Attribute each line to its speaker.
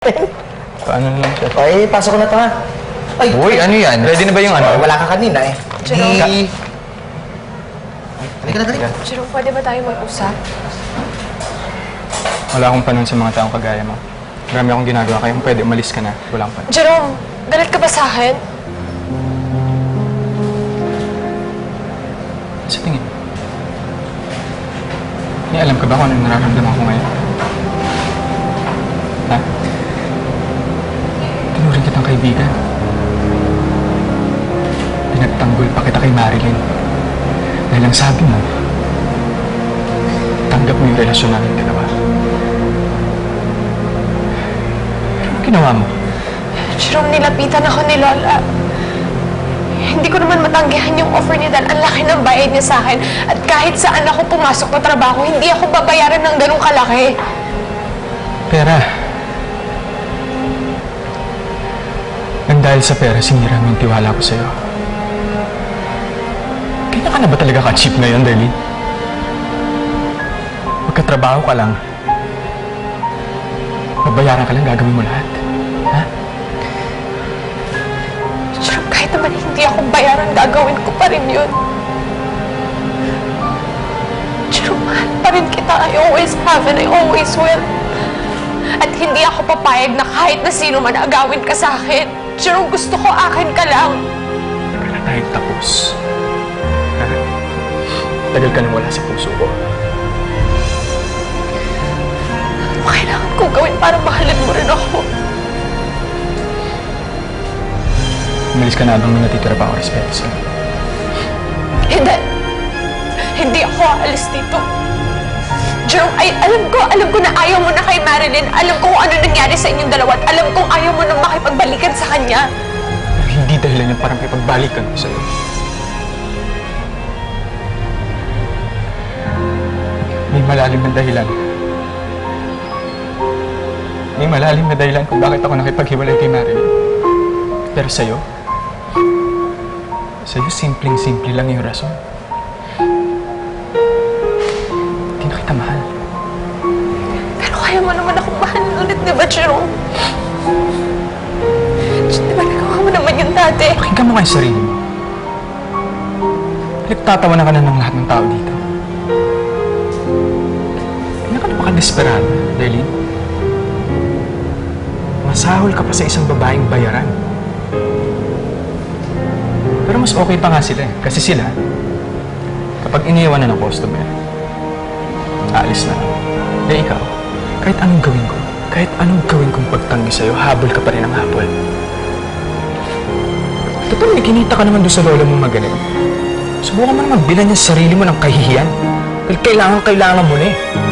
Speaker 1: Paano na lang siya?
Speaker 2: Ay, pasok ko na to ha. Ay,
Speaker 1: Uy, ano yan? Ready na ba yung ano?
Speaker 2: wala ka kanina eh.
Speaker 3: Jerome.
Speaker 2: Halika na, halika.
Speaker 3: Jerome, pwede ba tayo mag-usap?
Speaker 1: Wala akong panahon sa mga taong kagaya mo. Marami akong ginagawa, kaya kung pwede umalis ka na. Wala akong panahon.
Speaker 3: Jerome, galit ka ba sa akin?
Speaker 1: Sa tingin. May alam ka ba kung anong nararamdaman ko ngayon? Ha? Tinuring kitang kaibigan. Pinagtanggol pa kita kay Marilyn. Dahil ang sabi mo, tanggap mo yung relasyon namin dalawa. Pero ano ginawa mo?
Speaker 3: Jerome, nilapitan ako ni Lola. Hindi ko naman matanggihan yung offer niya dahil ang laki ng bayad niya sa akin. At kahit saan ako pumasok na trabaho, hindi ako babayaran ng ganong kalaki.
Speaker 1: Pera. Nang dahil sa pera, sinira mo yung tiwala ko sa'yo. Kaya ka na ba talaga ka-cheap na yun, Darlene? Magkatrabaho ka lang. Babayaran ka lang, gagawin mo lahat. Ha?
Speaker 3: Jerome, kahit naman hindi ako bayaran, gagawin ko pa rin yun. Jerome, mahal pa rin kita. I always have and I always will. At hindi ako papayag na kahit na sino man agawin ka sa akin. Jerome, gusto ko akin ka lang.
Speaker 1: Tagal na tayong tapos. Ha? Tagal ka nang wala sa puso ko.
Speaker 3: Ano kailangan kong gawin para mahalin mo rin ako?
Speaker 1: Umalis ka na habang may natitira pa ako respeto sa'yo.
Speaker 3: Hindi. Hindi ako aalis dito. Jerome, alam ko na ayaw mo na kay Marilyn. Alam ko kung ano nangyari sa inyong dalawa. At alam kong ayaw mo nang makipagbalikan sa kanya.
Speaker 1: Pero hindi dahilan yung parang ipagbalikan ko sa'yo. May malalim na dahilan. May malalim na dahilan kung bakit ako nakipaghiwalay kay Marilyn. Pero sa'yo, simpleng-simple lang yung rason. Hindi na kita mahal.
Speaker 3: Pero kaya mo naman akong mahalin ulit, di ba, Jerome? Di ba nagawa mo naman yun dati?
Speaker 1: Pakinggan mo kayo sarili mo. Pinagtatawanan ka na ng lahat ng tao dito. Hindi ka na baka-desperado, Darlene. Masahol ka pa sa isang babaeng bayaran. Pero mas okay pa nga sila eh. Kasi sila, kapag iniiwan na ng customer, aalis na. Eh ikaw, kahit anong gawin kong pagtanggi sa'yo, habol ka pa rin ng habol. Total, may kinita ka naman doon sa lola mong magaling. Subukan mo naman bilan niya sa sarili mo ng kahihiyan. Dahil kailangan mo na eh.